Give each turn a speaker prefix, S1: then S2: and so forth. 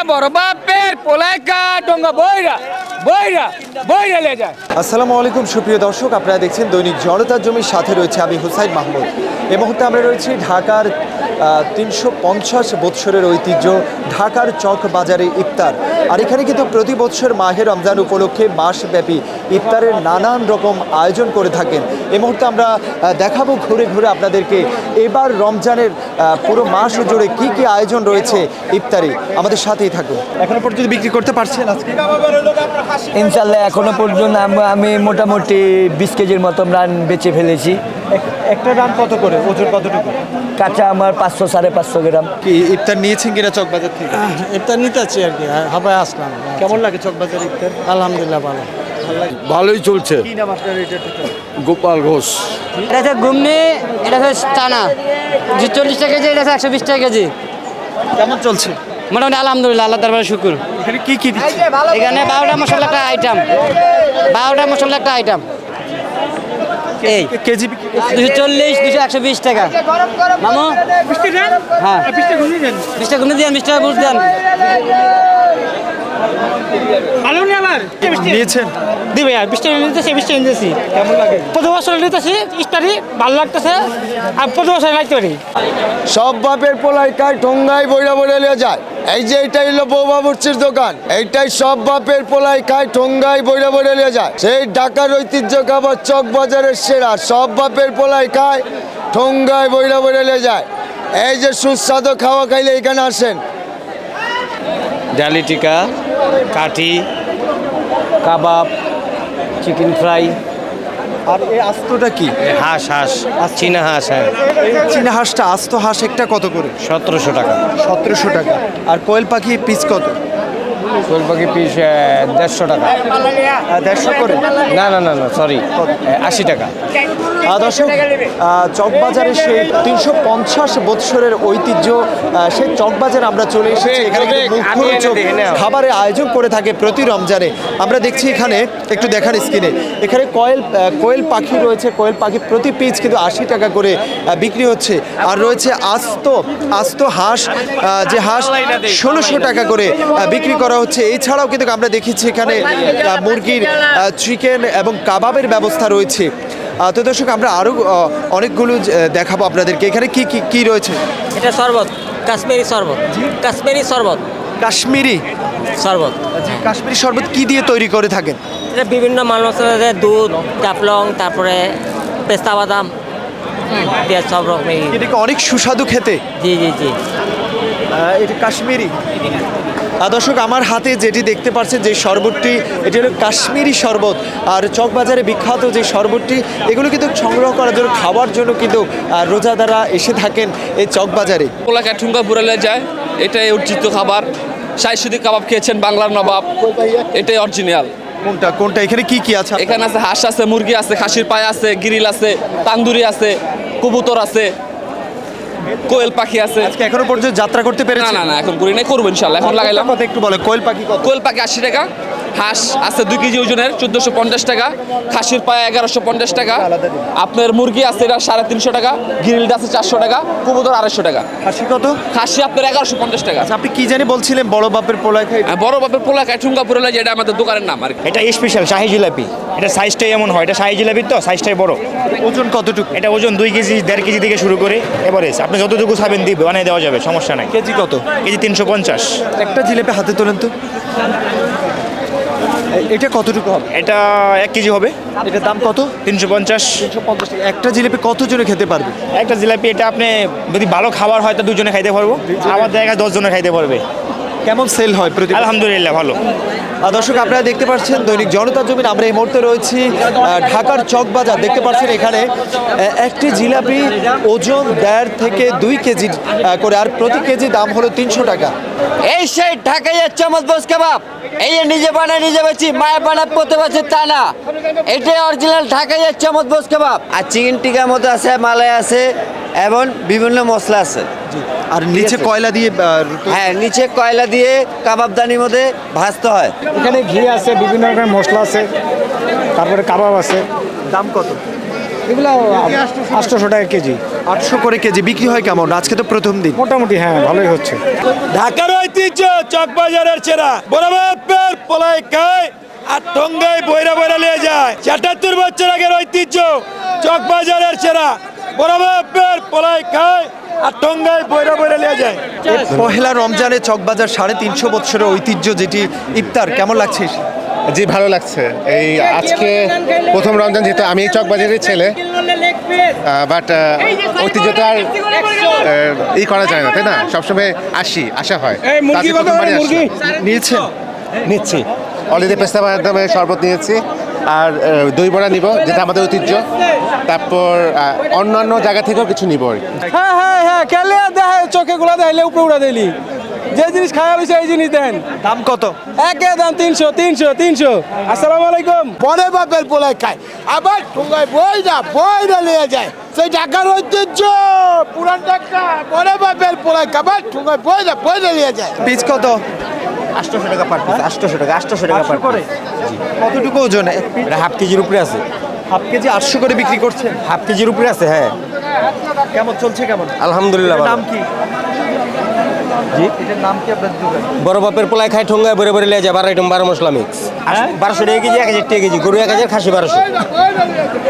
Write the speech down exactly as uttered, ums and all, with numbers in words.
S1: বড় বাপের পোলাইকা টঙ্গা বইরা বইরা বইরা লে যায়।
S2: আসসালামু আলাইকুম সুপ্রিয় দর্শক, আপনারা দেখছেন দৈনিক জনতার জমির সাথে রয়েছে আমি হুসাইন মাহমুদ। এই মুহূর্তে আমরা রয়েছি ঢাকার তিনশো পঞ্চাশ বৎসরের ঐতিহ্য ঢাকার চক বাজারে ইফতার। আর এখানে কিন্তু প্রতি বছর মাহে রমজান উপলক্ষে মাসব্যাপী ইফতারের নানান রকম আয়োজন করে থাকেন। এই মুহূর্তে আমরা দেখাবো ঘুরে ঘুরে আপনাদেরকে এবার রমজানের পুরো মাস জুড়ে কি কি আয়োজন রয়েছে ইফতারে। আমাদের সাথেই থাকুন। এখনো পর্যন্ত বিক্রি করতে পারছেন আজকে?
S3: ইনশাল্লাহ এখনো পর্যন্ত আমি মোটামুটি বিশ কেজির মতো রান বেচে ফেলেছি।
S2: একটা রান কত করে, ওজন কতটুকু?
S3: কাঁচা আমার পাঁচশো সাড়ে পাঁচশো গ্রাম।
S2: কি ইফতার নিয়েছেন কিনা চকবাজার থেকে?
S4: ইফতার নিতে আছি আর কি, হাবায় আসলাম।
S2: কেমন লাগে চকবাজার ইফতার?
S4: আলহামদুলিল্লাহ ভালো।
S5: ভালোই চলছে।
S2: কি নাম আপনার? এটা
S5: গোপাল ঘোষ।
S6: এটা হচ্ছে ঘুমনি, এটা হচ্ছে চানা, যে চল্লিশ টাকা কেজি, এটা হচ্ছে একশো বিশ টাকা কেজি।
S2: কেমন চলছে?
S6: মোটামুটি আলহামদুলিল্লাহ, আল্লাহ তারপরে শুকুর।
S2: এখানে কি কি দিচ্ছে?
S6: এখানে বারোটা মশলা একটা আইটেম, বারোটা মশলা একটা আইটেম। এই
S2: কেজি
S6: দুশো চল্লিশ, দুশো একশো বিশ টাকা। মামু হ্যাঁ, বিশটা ঘুমনি দেন, বিশ টাকা বুঝ দেন।
S2: নিয়েছেন?
S7: দিবে আর বৃষ্টি নিতেছি, বৃষ্টি নিতেছি।
S2: কেমন লাগে?
S7: প্রতি বছর নিতেছি ইফতারি, ভালো লাগতেছে। আর প্রতি বছর লাগতে পারি।
S5: সব বাপের পোলাই কায় ঠোঙ্গাই বইরা বইরা লিয়ে যায়। এই যে এইটাই হলো বৌমা বুচ্ছির দোকান, এইটাই সব বাপের পোলাই খায় ঠোঙ্গাই বইরা বইরা লিয়ে যায়। সেই ঢাকার ঐতিহ্য খাবার চক বাজারের সেরা, সব বাপের পোলাই খায় ঠোঙ্গাই বইরা বইরা লিয়ে যায়। এই যে সুস্বাদু খাওয়া খাইলে এখানে আসেন।
S3: ডালি টিকা, কাঠি, কাবাব, চিকেন ফ্রাই,
S2: আর এই আস্তটা কি?
S3: হাঁস হাঁস চীনা হাঁস, হ্যাঁ
S2: এই চীনা হাঁসটা, আস্ত হাঁস একটা কত করে?
S3: সতেরোশো টাকা।
S2: সতেরোশো টাকা। আর কোয়েল পাখি পিস কত?
S3: কোয়েল পাখি পিস দেড়শো টাকা।
S2: আহ, দেড়শো করে?
S3: না না না না সরি, আশি টাকা।
S2: আহ, দর্শক, আহ, চকবাজারে সেই তিনশো পঞ্চাশ বৎসরের ঐতিহ্য আহ, সেই চকবাজার আমরা চলে এসেছি। এখানে কিন্তু মুখরোচক খাবারের আয়োজন করে থাকে প্রতি রমজানে। আমরা দেখছি এখানে, একটু দেখার স্ক্রিনে, এখানে কয়েল আহ, কোয়েল পাখি রয়েছে। কোয়েল পাখি প্রতি পিস কিন্তু আশি টাকা করে আহ, বিক্রি হচ্ছে। আর রয়েছে আস্ত আস্ত হাঁস, আহ, যে হাঁস ষোলোশো টাকা করে আহ, বিক্রি করা হচ্ছে। এছাড়াও কিন্তু আমরা দেখেছি এখানে আহ, মুরগির চিকেন এবং কাবাবের ব্যবস্থা রয়েছে। আহ, তো দর্শক, আমরা আরও অনেকগুলো আহ, দেখাবো আপনাদেরকে। এখানে কি কি কি রয়েছে?
S6: এটা শরবত, কাশ্মীরি শরবত, কাশ্মীরি শরবত,
S2: কাশ্মীরি
S6: শরবত।
S2: কাশ্মীরি শরবত কি দিয়ে তৈরি করে থাকেন?
S6: এটা বিভিন্ন মাল মশলা দেয়, দুধ, জাফলং, তারপরে পেস্তা বাদাম দিয়ে সব রকমের।
S2: এটা কি অনেক সুস্বাদু খেতে?
S6: জি জি জি।
S2: আহ, এটা কাশ্মীরি। আহ, দর্শক, আমার হাতে যেটি দেখতে পাচ্ছেন যে শরবতটি, এটি হলো কাশ্মীরি শরবত। আর চকবাজারে বিখ্যাত যে শরবতটি, এগুলো কিন্তু সংগ্রহ করার জন্য, খাওয়ার জন্য কিন্তু আহ, রোজাদাররা এসে থাকেন এই চকবাজারে।
S1: পোলাইকা ঠুঙ্গা বুড়ালে যায়, এটাই অর্জিত খাবার। সাইসুদি কাবাব খেয়েছেন, বাংলার নবাব, এটাই অরিজিনাল।
S2: কোনটা কোনটা? এখানে কি কি আছে?
S1: এখানে আছে হাঁস আছে, মুরগি আছে, খাসির পায়ে আছে, গ্রিল আছে, তান্দুরি আছে, কবুতর আছে, কোয়েল পাখি আছে।
S2: আজকে এখনো পর্যন্ত যাত্রা করতে
S1: না
S2: পেরেছেন?
S1: না না, এখন করি নাই, করবো ইনশাল্লাহ। এখন লাগাইলাম।
S2: কথা একটু বলে, কোয়েল পাখি কত?
S1: কোয়েল পাখি আশি টাকা, হাঁস আছে দুই কেজি ওজনের চোদ্দোশো পঞ্চাশ টাকা, খাসির পায়ে এগারোশো পঞ্চাশ টাকা, আপনার মুরগি আছে এটা সাড়ে তিনশো টাকা, গ্রিলটা আছে চারশো টাকা, কবুতর আড়াইশো টাকা,
S2: খাসি কত?
S1: খাসি আপনার এগারোশো পঞ্চাশ টাকা।
S2: আচ্ছা, আপনি কি জানি বলছিলেন বড় বাপের পোলায় খাই?
S1: আর বড় বাপের পোলা খায় ঠুঙ্গা পুরোলা, যেটা আমাদের দোকানের নাম আর কি।
S8: এটা স্পেশাল শাহী জিলাপি। এটা সাইজটাই এমন হয়, এটা শাহী জিলাপি তো সাইজটাই বড়।
S2: ওজন কতটুকু?
S8: এটা ওজন দুই কেজি দেড় কেজি থেকে শুরু করে এভারেজ আপনি যতটুকু খাবেন দিবে বানিয়ে দেওয়া যাবে, সমস্যা নাই।
S2: কেজি কত?
S8: কেজি তিনশো পঞ্চাশ।
S2: একটা জিলেপি হাতে তোলেন তো। এ- এটা কতটুকু হবে?
S8: এটা এক কেজি হবে।
S2: এটার দাম কত?
S8: তিনশো পঞ্চাশ।
S2: একটা জিলেপি কতজনে খেতে পারবে?
S8: একটা জিলাপি এটা আপনি যদি ভালো খাবার হয় তো দুজনে খাইতে পারবো, আমার জায়গায় দশ জনে খাইতে পারবে।
S2: কেমন সেল হয় প্রতি?
S8: আলহামদুলিল্লাহ ভালো।
S2: আর দর্শক, আপনারা দেখতে পাচ্ছেন দৈনিক জনতার জমিন, আমরা এই মুহূর্তে রয়েছি আহ, ঢাকার চকবাজার। দেখতে পাচ্ছেন এখানে আহ, একটি জিলাপি ওজন দেড় থেকে দুই কেজি আহ, করে, আর প্রতি কেজি দাম হলো তিনশো টাকা।
S6: এই সেই ঢাকাইয়ের চমৎবোস কাবাব, এই নিজে বানায় নিজে বেছি, মায়ের বানায় প্রতি বছর তা না, এটাই অরিজিনাল ঢাকাইয়ের চমৎবোস কাবাব। আর চিকেন টিকার মতো আছে, মালাই আছে এবং বিভিন্ন মশলা আছে।
S2: আর নিচে কয়লা দিয়ে আহ,
S6: হ্যাঁ, নিচে কয়লা দিয়ে কাবাবদানির মধ্যে ভাজতে হয়।
S7: এখানে ঘি আছে, বিভিন্ন রকমের মশলা আছে, তারপরে কাবাব আছে।
S2: দাম কত?
S7: এগুলো আটশোশো টাকা কেজি।
S2: আটশো করে কেজি বিক্রি হয় কেমন? আজকে তো প্রথম দিন।
S7: মোটামুটি হ্যাঁ ভালোই হচ্ছে।
S5: ঢাকার ঐতিহ্য
S8: ঐতিহ্য চকবাজারের সেরা বড় বাপের পোলাই খায় আর টঙ্গাই বইরা বইরা নিয়ে যায় আটাত্তর বছর আগের ঐতিহ্য চকবাজারের সেরা বড় বাপের পোলাই খায় আর টঙ্গাই বইরা বইরা নিয়ে যায়।
S2: পহেলা রমজানে চকবাজার সাড়ে তিনশো বছরের ঐতিহ্য যেটি ইফতার কেমন লাগছে?
S9: জি ভালো লাগছে। এই আজকে প্রথম রমজান, যেহেতু আমি চকবাজারের ছেলে, বাট ঐতিহ্যটা আর আহ, ই করা যায় না, তাই না? সবসময় আসি, আসা হয়। আজকে প্রথমবারই আসলাম।
S2: নিয়েছেন?
S9: নিচ্ছি অলরেডি পেস্তা মাধ্যমে শরবত নিয়েছি আর আহ, দই বড়া নিব, যেটা আমাদের ঐতিহ্য। তারপর আহ, অন্যান্য জায়গা থেকেও কিছু নিব আর কি।
S4: হ্যাঁ হ্যাঁ হ্যাঁ খেলে দেখে চোখে গুলা দেখাইলে উপরে উড়া দিলি যে জিনিস খাওয়া হয়েছে এই জিনিস দেন।
S2: দাম কত?
S4: একে দাম তিনশো তিনশো তিনশো। আসসালামু আলাইকুম।
S5: বড় বাপের পোলাই খায় আবার ঠোঙ্গায় বইরা বইরা নিয়ে যায় সেই ঢাকার ঐতিহ্য পুরান ঢাকা বড় বাপের পোলাই খাবার ঠোঙ্গায় বইরা বইরা নিয়ে যায়।
S2: পিস কত?
S6: আটশোশো টাকা পার পিস, আটশোশো টাকা আটশোশো টাকা পার
S2: করে কতটুকু ওজন?
S6: এটা হাফ কেজির উপরে আছে,
S2: হাফ কেজি আটশো করে বিক্রি করছেন?
S6: হাফ কেজির উপরে আছে। হ্যাঁ
S2: কেমন চলছে? কেমন?
S6: আলহামদুলিল্লাহ
S2: এটার
S6: ভালো।
S2: নাম কি? জি, এটার নাম কি আপনার দোকান?
S6: বড় বাপের পোলাই খায় ঠোঙ্গায় বইরা বইরা নিয়ে যায় বারো আইটেম বারো মশলা মিক্স। বারোশো টাকা কেজি, এক হাজার টাকা কেজি, গরু এক হাজার, খাসি বারোশো।